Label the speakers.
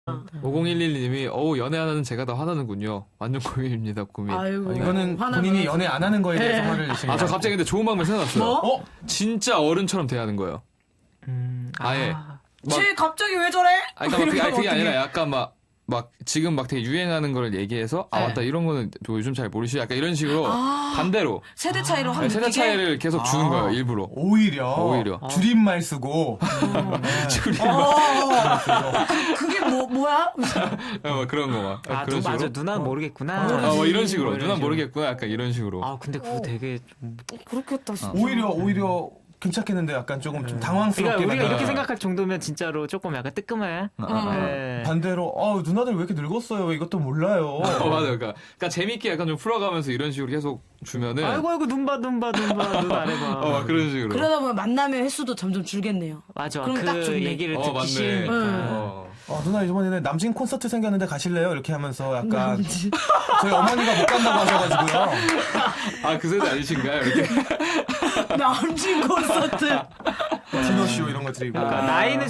Speaker 1: 5011님이 어우 연애 안 하는 제가 다 화나는군요. 완전 고민입니다. 고민.
Speaker 2: 아이고.
Speaker 3: 이거는
Speaker 2: 화나면-
Speaker 3: 본인이 연애 안 하는 거에 대해서
Speaker 2: 네.
Speaker 3: 화를 내시는
Speaker 1: 아 저 갑자기 근데 좋은 방법 생각났어요.
Speaker 2: 뭐?
Speaker 1: 진짜 어른처럼 대하는 거예요. 아예.
Speaker 2: 쟤 갑자기 왜 저래?
Speaker 1: 아니, 그러니까 그게
Speaker 2: 어떡해.
Speaker 1: 아니라 약간 막 지금 막 되게 유행하는 걸 얘기해서 아
Speaker 2: 네.
Speaker 1: 맞다 이런 거는 또 요즘 잘 모르시 약간 이런 식으로 반대로
Speaker 2: 세대 차이로 확
Speaker 1: 세대
Speaker 2: 느끼게?
Speaker 1: 차이를 계속 주는 거예요 일부러.
Speaker 3: 오히려 줄임말 쓰고
Speaker 2: 그게 뭐야?
Speaker 1: 막 그런 거 막.
Speaker 4: 아,
Speaker 1: 그런
Speaker 4: 맞아.
Speaker 1: 식으로.
Speaker 4: 누나는 모르겠구나.
Speaker 1: 뭐 이런 식으로.
Speaker 4: 뭐 이런
Speaker 1: 누나
Speaker 4: 식으로.
Speaker 1: 모르겠구나. 약간 이런 식으로.
Speaker 4: 아, 근데 그거 되게 좀.
Speaker 2: 그렇겠다 진짜.
Speaker 3: 오히려 괜찮겠는데 약간 조금 좀 당황스럽게
Speaker 4: 그러니까 우리가
Speaker 3: 만드는
Speaker 4: 이렇게 생각할 정도면 진짜로 조금 약간 뜨끔해. 네.
Speaker 3: 반대로 누나들 왜 이렇게 늙었어요? 왜 이것도 몰라요.
Speaker 1: 맞아요. 그러니까 재밌게 약간 좀 풀어가면서 이런 식으로 계속 주면은.
Speaker 4: 아이고 눈 봐, 눈 아래봐.
Speaker 1: 막 그런 식으로.
Speaker 2: 그러다 보면 만남의 횟수도 점점 줄겠네요.
Speaker 4: 맞아.
Speaker 2: 그럼
Speaker 4: 그
Speaker 2: 딱 좋네.
Speaker 4: 얘기를 듣기
Speaker 1: 맞네.
Speaker 4: 싫으니까.
Speaker 3: 누나 이번에 남친 콘서트 생겼는데 가실래요? 이렇게 하면서 약간 저희 어머니가 못 간다고 하셔가지고요.
Speaker 1: 아, 그 세대 아니신가요? 이렇게.
Speaker 2: 남친 콘서트.
Speaker 3: 디너쇼 이런 거 드리고.
Speaker 4: 그러니까 나이는